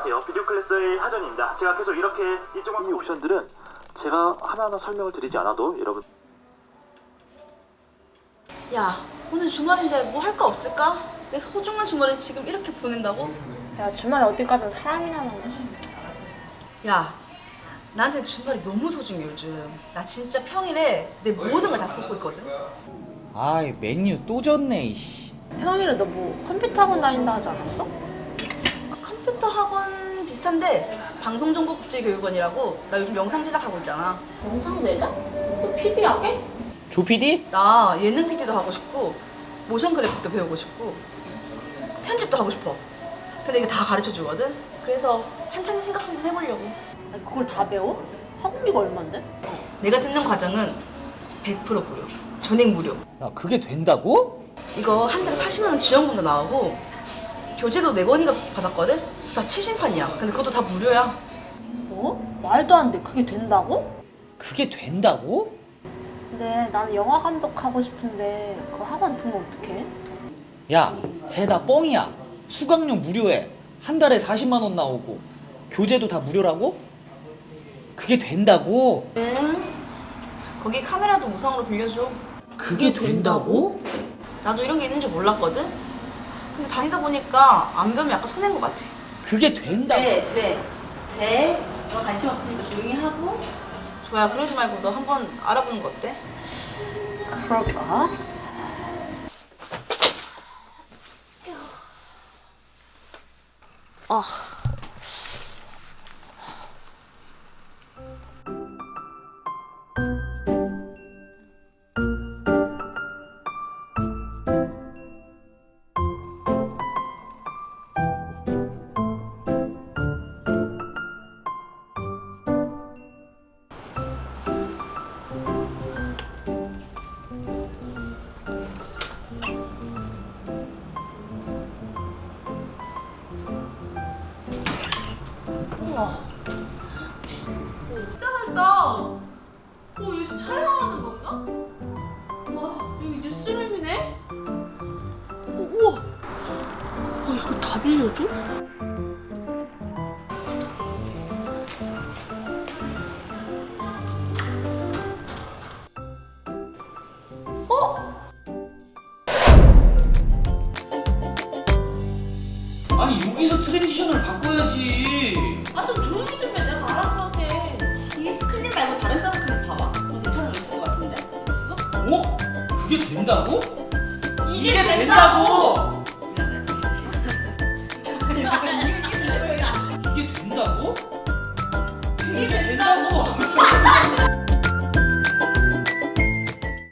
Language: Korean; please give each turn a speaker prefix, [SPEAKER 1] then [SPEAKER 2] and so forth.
[SPEAKER 1] 안녕하세요. 비디오 클래스의 하전입니다. 제가 계속 이렇게 이 옵션들은 제가 하나하나 설명을 드리지 않아도 여러분.
[SPEAKER 2] 야, 오늘 주말인데 뭐 할 거 없을까? 내 소중한 주말을 지금 이렇게 보낸다고?
[SPEAKER 3] 야, 주말에 어디 가든 사람이나 만나지.
[SPEAKER 2] 야, 나한테 주말이 너무 소중해 요즘. 나 진짜 평일에 내 모든 걸 다 쏟고 있거든.
[SPEAKER 4] 아이 메뉴 또 졌네 이씨.
[SPEAKER 3] 평일에 너 뭐 컴퓨터 학원 다닌다 하지 않았어?
[SPEAKER 2] 컴퓨터 학원 비슷한데 방송정보국제교육원이라고. 나 요즘 영상 제작하고 있잖아.
[SPEAKER 3] 영상 내자? 너 PD 하게?
[SPEAKER 4] 조 PD?
[SPEAKER 2] 나 예능 PD도 하고 싶고 모션 그래픽도 배우고 싶고 편집도 하고 싶어. 근데 이거 다 가르쳐 주거든. 그래서 찬찬히 생각 한번 해보려고.
[SPEAKER 3] 아니, 그걸 다 배워? 학원비가 얼만데?
[SPEAKER 2] 내가 듣는 과정은 100% 무료. 전액 무료.
[SPEAKER 4] 야 그게 된다고?
[SPEAKER 2] 이거 한 달에 40만 원 지원금도 나오고 교재도 4권이가 받았거든? 다 최신판이야. 근데 그것도 다 무료야.
[SPEAKER 3] 뭐? 말도 안 돼. 그게 된다고?
[SPEAKER 4] 그게 된다고?
[SPEAKER 3] 근데 나는 영화 감독 하고 싶은데 그 학원 돈 어떡해?
[SPEAKER 4] 야 쟤 다 뻥이야. 수강료 무료에 한 달에 40만 원 나오고 교재도 다 무료라고? 그게 된다고?
[SPEAKER 2] 응. 거기 카메라도 무상으로 빌려줘.
[SPEAKER 4] 그게 된다고?
[SPEAKER 2] 나도 이런 게 있는 줄 몰랐거든? 근데 다니다 보니까 안 배우면 약간 손해인 것 같아.
[SPEAKER 4] 그게 된다고?
[SPEAKER 2] 돼. 너 관심 없으니까 조용히 하고. 좋아, 그러지 말고 너 한번 알아보는 거 어때?
[SPEAKER 3] 그럴까? 아.
[SPEAKER 5] 진짜 밝다. 여기서 촬영하는 건가? 와, 여기 뉴스룸이네?
[SPEAKER 3] 우와. 이거 다 빌려줘?
[SPEAKER 4] 아니 여기서 트랜지션을 바꿔야지.
[SPEAKER 2] 아, 좀 조용히 좀 해. 내가 알아서 할게. 이 스크린 말고 다른 사람 한번 봐봐. 좀 괜찮은 거 있을 것 같은데?
[SPEAKER 4] 어? 그게 된다고?
[SPEAKER 2] 이게 된다고!